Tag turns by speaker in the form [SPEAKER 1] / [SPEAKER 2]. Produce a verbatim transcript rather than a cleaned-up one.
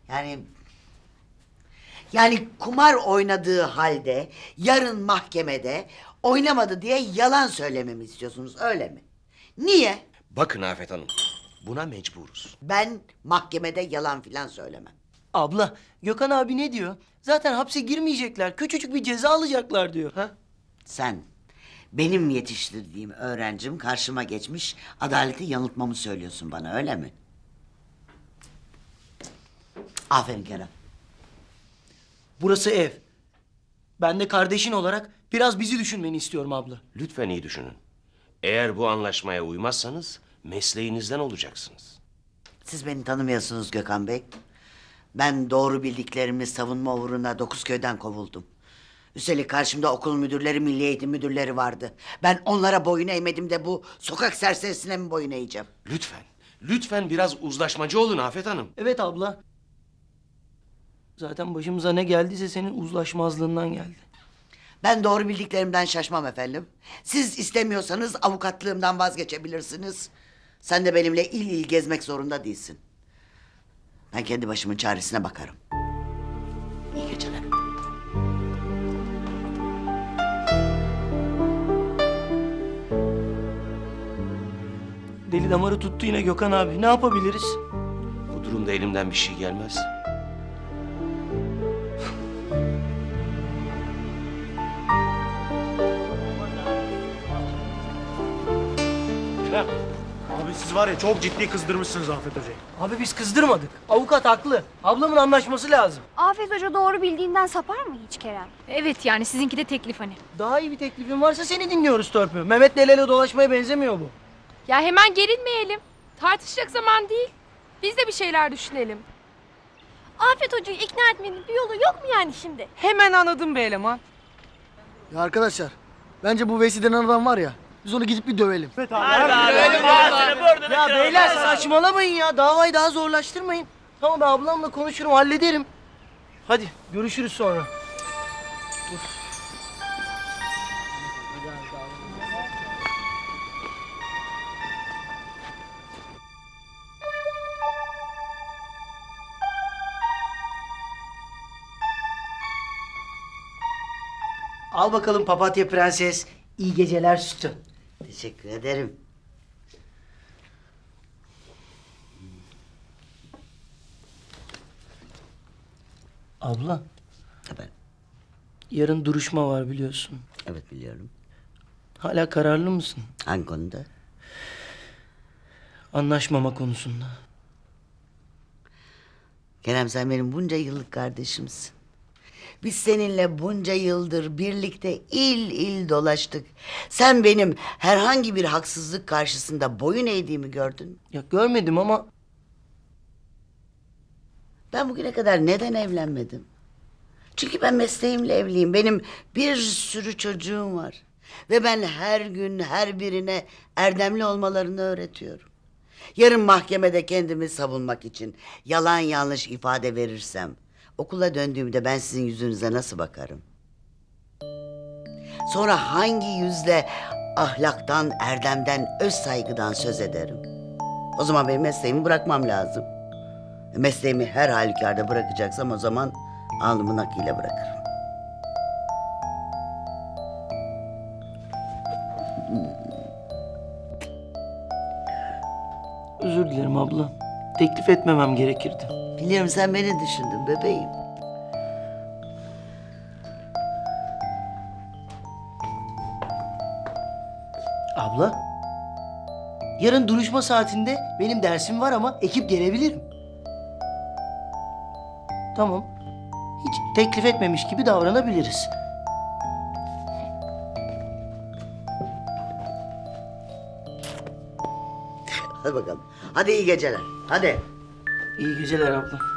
[SPEAKER 1] Yani... Yani kumar oynadığı halde yarın mahkemede oynamadı diye yalan söylememi istiyorsunuz, öyle mi? Niye?
[SPEAKER 2] Bakın Afet Hanım, buna mecburuz.
[SPEAKER 1] Ben mahkemede yalan filan söylemem.
[SPEAKER 3] Abla, Gökhan abi ne diyor? Zaten hapse girmeyecekler. Küçücük bir ceza alacaklar diyor.
[SPEAKER 2] Ha?
[SPEAKER 1] Sen benim yetiştirdiğim öğrencim karşıma geçmiş adaleti yanıltmamı söylüyorsun bana, öyle mi? Aferin Kerem.
[SPEAKER 3] Burası ev. Ben de kardeşin olarak biraz bizi düşünmeni istiyorum abla.
[SPEAKER 2] Lütfen iyi düşünün. Eğer bu anlaşmaya uymazsanız mesleğinizden olacaksınız.
[SPEAKER 1] Siz beni tanımıyorsunuz Gökhan Bey. Ben doğru bildiklerimi savunma uğruna Dokuzköy'den kovuldum. Üstelik karşımda okul müdürleri, milli eğitim müdürleri vardı. Ben onlara boyun eğmedim de bu sokak serserisine mi boyun eğeceğim?
[SPEAKER 2] Lütfen, lütfen biraz uzlaşmacı olun Afet Hanım.
[SPEAKER 3] Evet abla. Zaten başımıza ne geldiyse senin uzlaşmazlığından geldi.
[SPEAKER 1] Ben doğru bildiklerimden şaşmam efendim. Siz istemiyorsanız avukatlığımdan vazgeçebilirsiniz. Sen de benimle il il gezmek zorunda değilsin. Ben kendi başımın çaresine bakarım. İyi geceler.
[SPEAKER 3] Deli damarı tuttu yine Gökhan abi. Ne yapabiliriz?
[SPEAKER 2] Bu durumda elimden bir şey gelmez.
[SPEAKER 4] Kerem, abi siz var ya çok ciddi kızdırmışsınız Afet Hoca'yı.
[SPEAKER 3] Abi biz kızdırmadık. Avukat haklı. Ablamın anlaşması lazım.
[SPEAKER 5] Afet Hoca doğru bildiğinden sapar mı hiç Kerem?
[SPEAKER 6] Evet yani sizinki de teklif hani.
[SPEAKER 3] Daha iyi bir teklifin varsa seni dinliyoruz Törpü. Mehmet'le el ele dolaşmaya benzemiyor bu.
[SPEAKER 6] Ya hemen gerilmeyelim. Tartışacak zaman değil. Biz de bir şeyler düşünelim.
[SPEAKER 5] Afet Hoca'yı ikna etmenin bir yolu yok mu yani şimdi?
[SPEAKER 6] Hemen anladım be eleman.
[SPEAKER 7] Ya arkadaşlar, bence bu Veysi denen adam var ya, biz onu gidip bir dövelim.
[SPEAKER 3] Ya beyler saçmalamayın ya. Davayı daha zorlaştırmayın. Tamam ben ablamla konuşurum, hallederim. Hadi görüşürüz sonra. Al bakalım papatya prenses. İyi geceler sütü.
[SPEAKER 1] Teşekkür ederim.
[SPEAKER 3] Abla,
[SPEAKER 1] Tabii.
[SPEAKER 3] yarın duruşma var biliyorsun.
[SPEAKER 1] Evet biliyorum.
[SPEAKER 3] Hala kararlı mısın?
[SPEAKER 1] Hangi konuda?
[SPEAKER 3] Anlaşmama konusunda.
[SPEAKER 1] Kerem sen benim bunca yıllık kardeşimsin. Biz seninle bunca yıldır birlikte il il dolaştık. Sen benim herhangi bir haksızlık karşısında boyun eğdiğimi gördün mü?
[SPEAKER 3] Ya görmedim ama
[SPEAKER 1] Ben bugüne kadar neden evlenmedim? Çünkü ben mesleğimle evliyim. Benim bir sürü çocuğum var. Ve ben her gün her birine erdemli olmalarını öğretiyorum. Yarın mahkemede kendimi savunmak için yalan yanlış ifade verirsem... okula döndüğümde ben sizin yüzünüze nasıl bakarım? Sonra hangi yüzle ahlaktan, erdemden, öz saygıdan söz ederim? O zaman benim mesleğimi bırakmam lazım. Mesleğimi her halükarda bırakacaksam o zaman alnımın akıyla bırakırım.
[SPEAKER 3] özür dilerim abla. Teklif etmemem gerekirdi.
[SPEAKER 1] Biliyorum sen beni düşündün bebeğim.
[SPEAKER 3] Abla, yarın duruşma saatinde benim dersim var ama ekip gelebilirim. Tamam. Hiç teklif etmemiş gibi davranabiliriz.
[SPEAKER 1] Hadi bakalım. Hadi iyi geceler. Hadi.
[SPEAKER 3] İyi geceler abla.